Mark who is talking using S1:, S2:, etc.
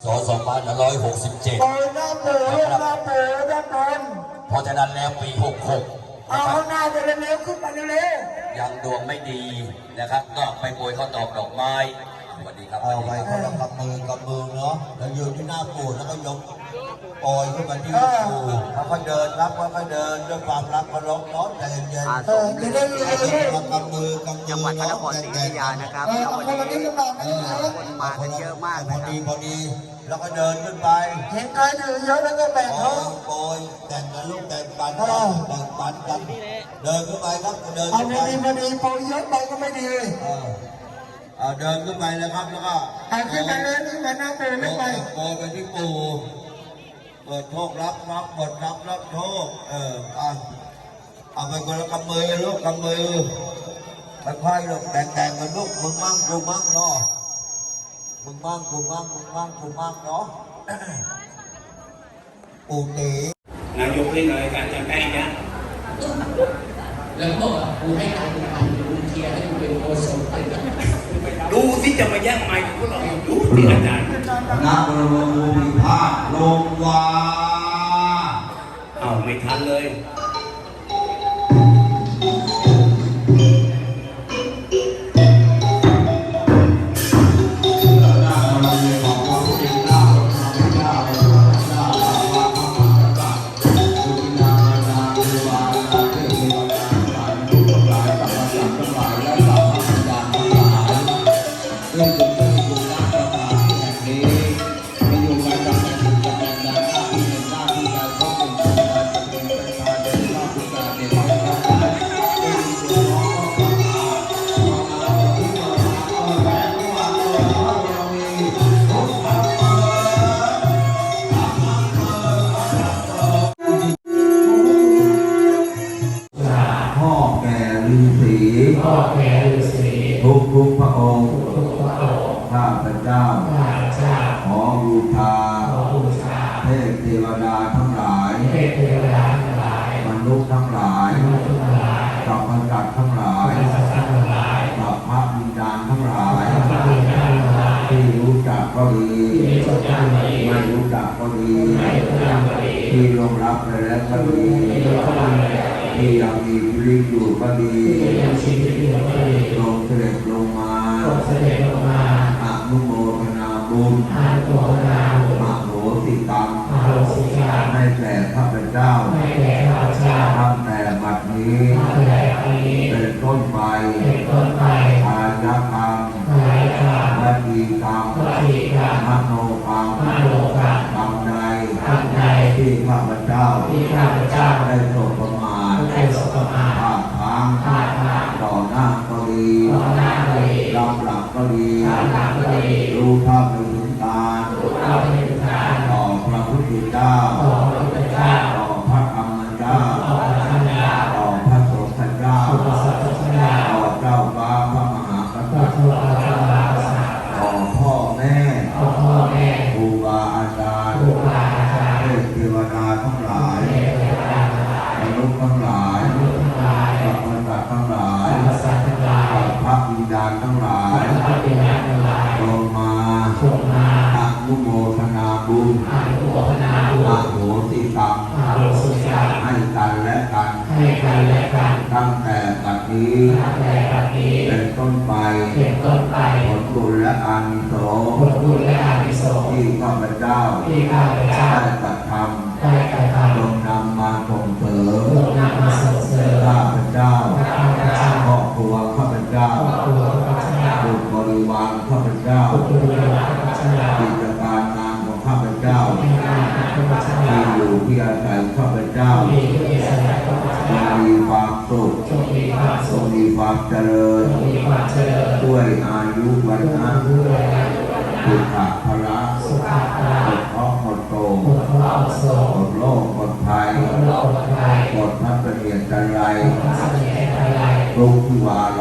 S1: 2567
S2: โอ้ยหน้าปูหน้าปูด้านบน
S1: เพราะฉะนั้นแล้วปี 66
S2: เอาหน้าจะเร็วๆขึ้นมาเร็ว
S1: ยังดวงไม่ดีนะครับก็ไปโปรยข้าวตอกดอกไม้สวัสดีครับ
S3: เอาไปคนละกำมือเนาะแล้วยืนที่หน้าปู่แล้วก็ยกปล่อยขึ้นมาที่ปู่เขาก็เดินรับเขาก็เดินด้วยความรักเคารพเนาะใจเย็นๆ
S2: จะได้เร็ว
S3: กำมือ
S4: จังหวัดพระนครศรีอยุธยานะครับแล้ววันนี้คนมากันเยอะมากนะครับ
S3: พอดีแล้วก็เดินขึ้นไป
S2: เห็นใครถือเยอะแล้วก็แบ่งเขา
S3: โปรยแต่งกันลูกแต่งปันกันเดินขึ้นไปครับเดิน
S2: เอา
S3: ขึ้นไป
S2: พอดีโปรยเยอะไปก็ไม่ดี
S3: เดินขึ้นไปเลยครับแล้วก็
S2: ขึ้นไปเลยขึ้นมาหน้าปูไม่ไป
S3: โปรยไปที่ปู่เปิดโชครับเปิดรับโชคเอาไปคนละกำมือลูกกำมือค่อยๆลูกแต่งกันลูกมึงมั่งกูมั่งเนาะมึงมั่งกูมั่งเนาะปู่ตี
S1: นายกเล่นอะไรกันจะใกล้เนี่ย
S5: แล้วก็กูให้การดูเทียร์ให้กูเป็นโอโซน
S1: ดูที่จะมาแย่งไมค์พวกเราดูที่อาจารย์
S3: นักบรมภูมิภาคลงวา
S1: ไม่ทันเลย
S3: ทุกพระองค์ข้าพเจ้าขอบูชาเทพเทวดาทั้งหลายมนุษย์ทั้งหลายสัพพสัตว์ทั้งหลายสัพพะวิญญาณทั้งหลายที่รู้จักก็ดีไม่รู้จักก็ดีที่ยอมรับไปแล้วก็ดีที่ยังมีชีวิตอยู่ก็ดีลงเสด็จลงมาอนุโมทนาบุญมโหสิกรรมให้แก่ข้าพเจ้าตั้งแต่บัดนี้เป็นต้นไปอาญากรรมวัจีกรรมมโนกรรมกรรมใดที่ข้าพเจ้าได้ตกประมาทพลาดพลั้งต่อหน้าก็ดีลำหลักก็ดีรู้เท่าไม่ถึงการต่อพระพุทธเจ้าต่อพระธรรมเจ้าต่อพระสงฆ์เจ้าต่อเจ้าฟ้าพระมหากษัตริย์ต่อพ่อแม่ครูบาอาจารย์เทพเทวดาทั้งหลายมนุษย์ทั้งหลายสัพพสัตว์ทั้งหลายพระวิญญาณทั้งหลายลงมาอนุโมทนาบุญมโหสิกรรมให้กันและกันตั้งแต่บัดนี้เป็นต้นไปผลบุญและอานิสงส์ที่ข้าพเจ้าได้กระทำจงนำมาส่งเสริมข้าพเจ้าครอบครัวข้าพเจ้าบุตรบริวารข้าพเจ้ากิจการงานของข้าพเจ้าที่อยู่ที่อาศัยข้าพเจ้ามีความสุขมีความเจริญด้วยอายุวันนะสุขภาระหมดเคราะห์หมดโศกหมดโรคหมดภัยหมดพัฒเนียนจันไรทุกที่วา